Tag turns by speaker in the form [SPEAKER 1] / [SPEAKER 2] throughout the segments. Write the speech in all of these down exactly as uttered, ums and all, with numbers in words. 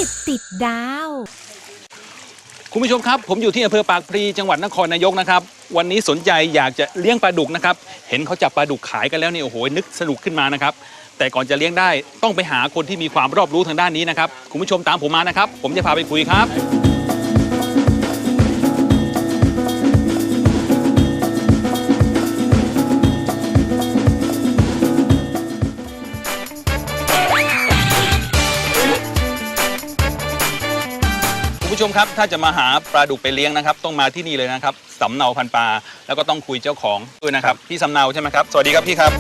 [SPEAKER 1] ติดดาว
[SPEAKER 2] คุณผู้ชมครับผมอยู่ที่อำเภอปากพลีจังหวัดนครนายกนะครับวันนี้สนใจอยากจะเลี้ยงปลาดุกนะครับเห็นเขาจับปลาดุกขายกันแล้วนี่โอ้โหนึกสนุกขึ้นมานะครับแต่ก่อนจะเลี้ยงได้ต้องไปหาคนที่มีความรอบรู้ทางด้านนี้นะครับคุณผู้ชมตามผมมานะครับผมจะพาไปคุยครับคุณผู้ชมครับถ้าจะมาหาปลาดุกไปเลี้ยงนะครับต้องมาที่นี่เลยนะครับสำเนาพันปลาแล้วก็ต้องคุยเจ้าของด้วยนะครับพี่สำเนาใช่ไหมครับสวัสดีครับพี่ครับ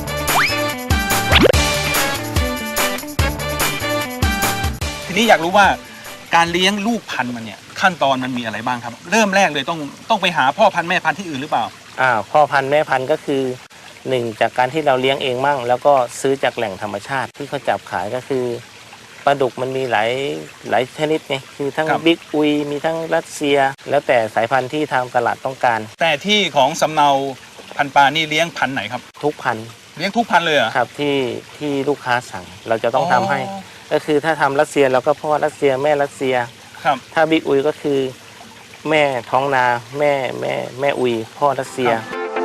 [SPEAKER 2] ทีนี้อยากรู้ว่าการเลี้ยงลูกพันธุ์มันเนี่ยขั้นตอนมันมีอะไรบ้างครับเริ่มแรกเลยต้องต้องไปหาพ่อพันธุ์แม่พันธุ์ที่อื่นหรือเปล่า
[SPEAKER 3] อ่าพ่อพันธุ์แม่พันธุ์ก็คือหนึ่งจากการที่เราเลี้ยงเองมั่งแล้วก็ซื้อจากแหล่งธรรมชาติที่เขาจับขายก็คือปลาดุกมันมีหลายหลายชนิดไงคือทั้งบิ๊กอุยมีทั้งรัสเซียแล้วแต่สายพันธุ์ที่ทางตลาดต้องการ
[SPEAKER 2] แต่ที่ของสำเนาพันปลานี่เลี้ยงพันธุ์ไหนครับ
[SPEAKER 3] ทุกพันธุ์
[SPEAKER 2] เลี้ยงทุกพันธุ์เลยเหรอ
[SPEAKER 3] ครับที่ที่ลูกค้าสั่งเราจะต้องทำให้ก็คือถ้าทำรัสเซียเราก็พ่อรัสเซียแม่รัสเซีย
[SPEAKER 2] ครับ
[SPEAKER 3] ถ้าบิ๊กอุยก็คือแม่ท้องนาแม่แม่แม่อุยพ่อรัสเซีย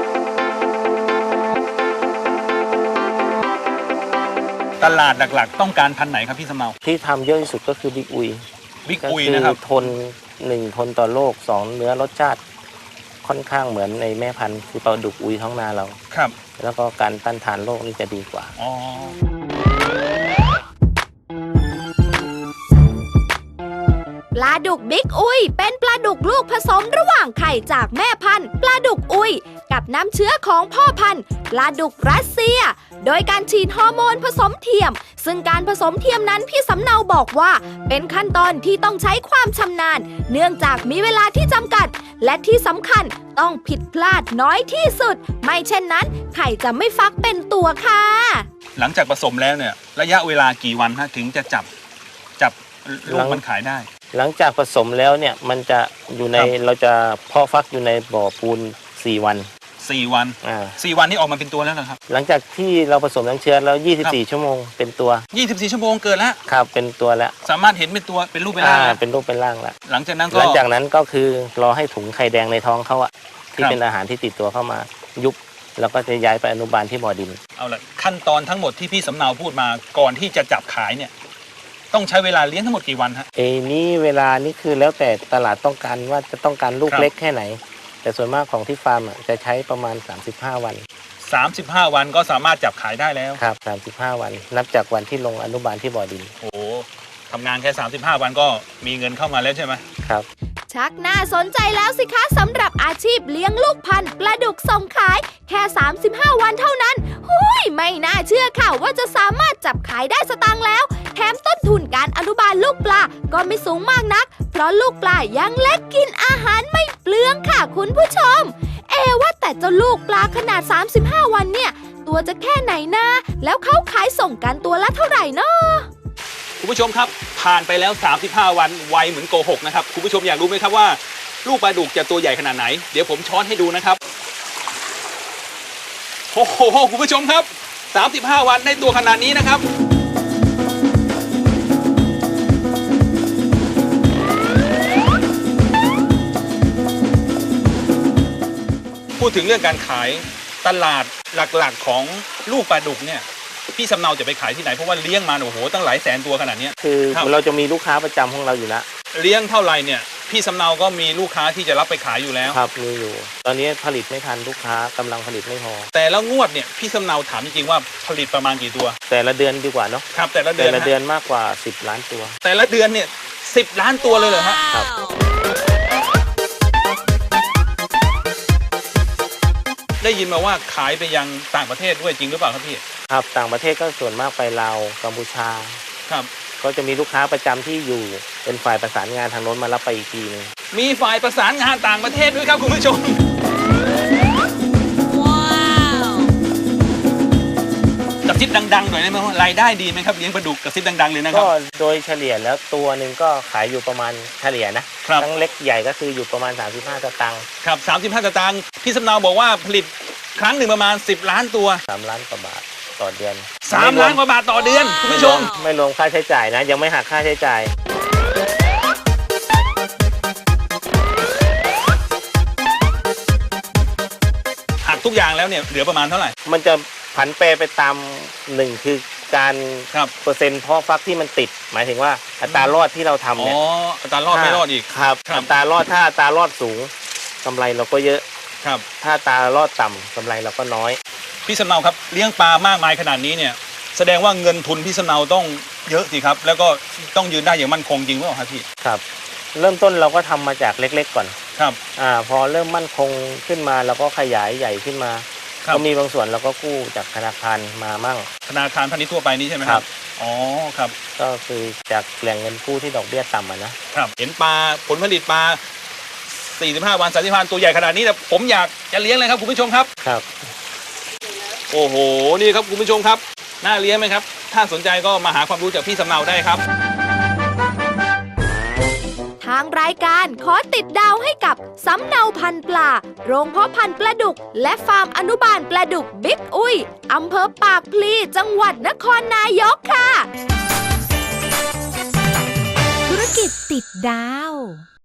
[SPEAKER 2] ตลาดหลักๆต้องการพันธุ์ไหนครับพี่สำเนา
[SPEAKER 3] ที่ทำเยอะที่สุดก็คือบิ๊กอุย
[SPEAKER 2] บิ๊กอุยนะครับ
[SPEAKER 3] ทนหนึ่งทนต่อโรคสองเนื้อรสชาติค่อนข้างเหมือนในแม่พันธุ์คือปลาดุกอุยท้องนาเรา
[SPEAKER 2] ครับ
[SPEAKER 3] แล้วก็การต้านทานโรคนี่จะดีกว่า
[SPEAKER 2] อ๋อ
[SPEAKER 1] ปลาดุกบิ๊กอุยเป็นปลาดุกลูกผสมระหว่างไข่จากแม่พันธุ์ปลาดุกอุยกับน้ำเชื้อของพ่อพันธุ์ปลาดุกรัสเซียโดยการฉีดฮอร์โมนผสมเทียมซึ่งการผสมเทียมนั้นพี่สำเนาบอกว่าเป็นขั้นตอนที่ต้องใช้ความชำนาญเนื่องจากมีเวลาที่จำกัดและที่สำคัญต้องผิดพลาดน้อยที่สุดไม่เช่นนั้นไข่จะไม่ฟักเป็นตัวค่ะ
[SPEAKER 2] หลังจากผสมแล้วเนี่ยระยะเวลากี่วันฮะถึงจะจับจับลูกมันขายได้
[SPEAKER 3] หลังจากผสมแล้วเนี่ยมันจะอยู่ในเราจะเพาะฟักอยู่ในบ่อปูนสี่วัน
[SPEAKER 2] สี่วัน
[SPEAKER 3] อ่า
[SPEAKER 2] สี่วันนี้ออกมาเป็นตัวแล้วเหรอครับ
[SPEAKER 3] หลังจากที่เราผสมน้ำเชื้อแล้วยี่สิบสี่ชั่วโมงเป็นตัว
[SPEAKER 2] ยี่สิบสี่ชั่วโมงเกิดแล้ว
[SPEAKER 3] ครับเป็นตัวแล้ว
[SPEAKER 2] สามารถเห็นเป็นตัวเป็นรูปเป็นร่าง
[SPEAKER 3] เป็นรูปเป็นร่างแล้ว
[SPEAKER 2] หลังจากนั้นก็
[SPEAKER 3] หลังจากนั้นก็คือรอให้ถุงไข่แดงในท้องเขาอะที่เป็นอาหารที่ติดตัวเข้ามายุบแล้วก็จะย้ายไปอนุบาลที่บ่อดิน
[SPEAKER 2] เอาละขั้นตอนทั้งหมดที่พี่สำเนาพูดมาก่อนที่จะจับขายเนี่ยต้องใช้เวลาเลี้ยงทั้งหมดกี่วันฮะ
[SPEAKER 3] เอ้นี่เวลานี่คือแล้วแต่ตลาดต้องการว่าจะต้องการลูกเล็กแค่ไหนแต่ส่วนมากของที่ฟาร์มจะใช้ประมาณสามสิบห้าวัน
[SPEAKER 2] สามสิบห้าวันก็สามารถจับขายได้แล้ว
[SPEAKER 3] ครับสามสิบห้าวันนับจากวันที่ลงอนุบาลที่บ่อดิน
[SPEAKER 2] โอ้ทำงานแค่สามสิบห้าวันก็มีเงินเข้ามาแล้วใช่ไหม
[SPEAKER 3] ครับ
[SPEAKER 1] ชักน่าสนใจแล้วสิคะสำหรับอาชีพเลี้ยงลูกพันธุ์ปลาดุกส่งขายแค่สามสิบห้าวันเท่านั้นหุยไม่น่าเชื่อค่ะว่าจะสามารถจับขายได้สตางค์แล้วแถมต้นทุนการอนุบาลลูกปลาก็ไม่สูงมากนักเพราะลูกปลายังเล็กกินอาหารไม่เปลืองค่ะคุณผู้ชมเอว่าแต่เจ้าลูกปลาขนาดสามสิบห้าวันเนี่ยตัวจะแค่ไหนนะแล้วเขาขายส่งกันตัวละเท่าไหร่เนาะ
[SPEAKER 2] คุณผู้ชมครับผ่านไปแล้วสามสิบห้าวันไวเหมือนโกหกนะครับคุณผู้ชมอยากรู้ไหมครับว่าลูกปลาดุกจะตัวใหญ่ขนาดไหนเดี๋ยวผมช้อนให้ดูนะครับโอ้โหคุณผู้ชมครับสามสิบห้าวันได้ตัวขนาดนี้นะครับพูดถึงเรื่องการขายตลาดหลักๆของลูกปลาดุกเนี่ยพี่สำเนาจะไปขายที่ไหนเพราะว่าเลี้ยงมาโอ้โหตั้งหลายแสนตัวขนาดนี้
[SPEAKER 3] คือเราจะมีลูกค้าประจำของเราอยู่แล้ว
[SPEAKER 2] เลี้ยงเท่าไหร่เนี่ยพี่สำเนาก็มีลูกค้าที่จะรับไปขายอยู่แล้ว
[SPEAKER 3] ครับมีอยู่ตอนนี้ผลิตไม่ทันลูกค้ากำลังผลิตไม่พอ
[SPEAKER 2] แต่แล้วงวดเนี่ยพี่สำเนาถามจริงๆว่าผลิตประมาณกี่ตัว
[SPEAKER 3] แต่ละเดือนดีกว่าเนาะ
[SPEAKER 2] ครับแต่ละเดือน
[SPEAKER 3] แต่ละเดือนมากกว่าสิบล้านตัว
[SPEAKER 2] แต่ละเดือนเนี่ยสิบล้านตัวเลยเหรอฮะ
[SPEAKER 3] ครับ
[SPEAKER 2] ได้ยินมาว่าขายไปยังต่างประเทศด้วยจริงหรือเปล่าครับพี่
[SPEAKER 3] ครับต่างประเทศก็ส่วนมากไปลาวกัมพูชา
[SPEAKER 2] ครับ
[SPEAKER 3] ก็จะมีลูกค้าประจำที่อยู่เป็นฝ่ายประสานงานทางโน้นมารับไปอีกทีนึง
[SPEAKER 2] มีฝ่ายประสานงานต่างประเทศด้วยครับคุณผู้ชมว้าวกระซิบดังๆหน่อยได้ไหมว่ารายได้ดีไหมครับเลี้ยงปลาดุกกระซิบดังๆเลยนะครับ
[SPEAKER 3] ก็โดยเฉลี่ยแล้วตัวหนึ่งก็ขายอยู่ประมาณเฉลี่ยนะทั้งเล็กใหญ่ก็คืออยู่ประมาณสามสิบห้าสตางค์
[SPEAKER 2] ครับสามสิบห้าสตางค์พี่สำเนาบอกว่าผลิตครั้งหนึ่งประมาณสิบล้านตัว
[SPEAKER 3] สามล้านกว่าบาทต่อเดือน
[SPEAKER 2] สามล้านกว่าบาทต่อเดือนคุณผู้ชม
[SPEAKER 3] ไม่รวมค่าใช้จ่ายนะยังไม่หักค่าใช้จ่าย
[SPEAKER 2] ทุกอย่างแล้วเนี่ยเหลือประมาณเท่าไหร่
[SPEAKER 3] มันจะผันแปรไปตามหนึ่งคือการ
[SPEAKER 2] ครับ
[SPEAKER 3] เปอร์เซ็นต์เพาะฟักที่มันติด หมายถึงว่าอัตรารอดที่เราทำ
[SPEAKER 2] อ๋อ
[SPEAKER 3] เนี่ย
[SPEAKER 2] อัตรารอดไม่รอดอีก
[SPEAKER 3] ครับ
[SPEAKER 2] ครับ
[SPEAKER 3] อัตรารอดถ้าอัตรารอดสูงกำไรเราก็เยอะ
[SPEAKER 2] ครับ
[SPEAKER 3] ถ้าอัตรารอดต่ำกำไรเราก็น้อย
[SPEAKER 2] พี่สำเนาครับเลี้ยงปลามากมายขนาดนี้เนี่ยแสดงว่าเงินทุนพี่สำเนาต้องเยอะสิครับแล้วก็ต้องยืนได้อย่างมั่นคงจริงหรือเปล่าครับพี่
[SPEAKER 3] ครับ เริ่มต้นเราก็ทำมาจากเล็กๆก่อน
[SPEAKER 2] ครับ
[SPEAKER 3] อ่าพอเริ่มมั่นคงขึ้นมาเราก็ขยายใหญ่ขึ้นมา
[SPEAKER 2] ครับ
[SPEAKER 3] ก็มีบางส่วนเราก็กู้จากธนาคารมามั่ง
[SPEAKER 2] ธนาคารพาณิชย์ทั่วไปนี้ใช่ไหมครับอ๋อครับ
[SPEAKER 3] ก็คือจากแหล่งเงินกู้ที่ดอกเบี้ยต่ำอะนะครับ
[SPEAKER 2] เห็นปลาผลผลิตปลาสี่สิบห้าวันสามสิบวันตัวใหญ่ขนาดนี้แต่ผมอยากจะเลี้ยงเลยครับคุณผู้ชมครับ
[SPEAKER 3] ครับ
[SPEAKER 2] โอ้โหนี่ครับคุณผู้ชมครับน่าเลี้ยงไหมครับถ้าสนใจก็มาหาความรู้จากพี่สำเนาได้ครับ
[SPEAKER 1] ทางรายการขอติดดาวให้กับสำเนาพันธุ์ปลา โรงเพาะพันธุ์ปลาดุก และฟาร์มอนุบาลปลาดุกบิ๊กอุยอำเภอปากพลีจังหวัดนครนายกค่ะ
[SPEAKER 4] ธุรกิจติดดาว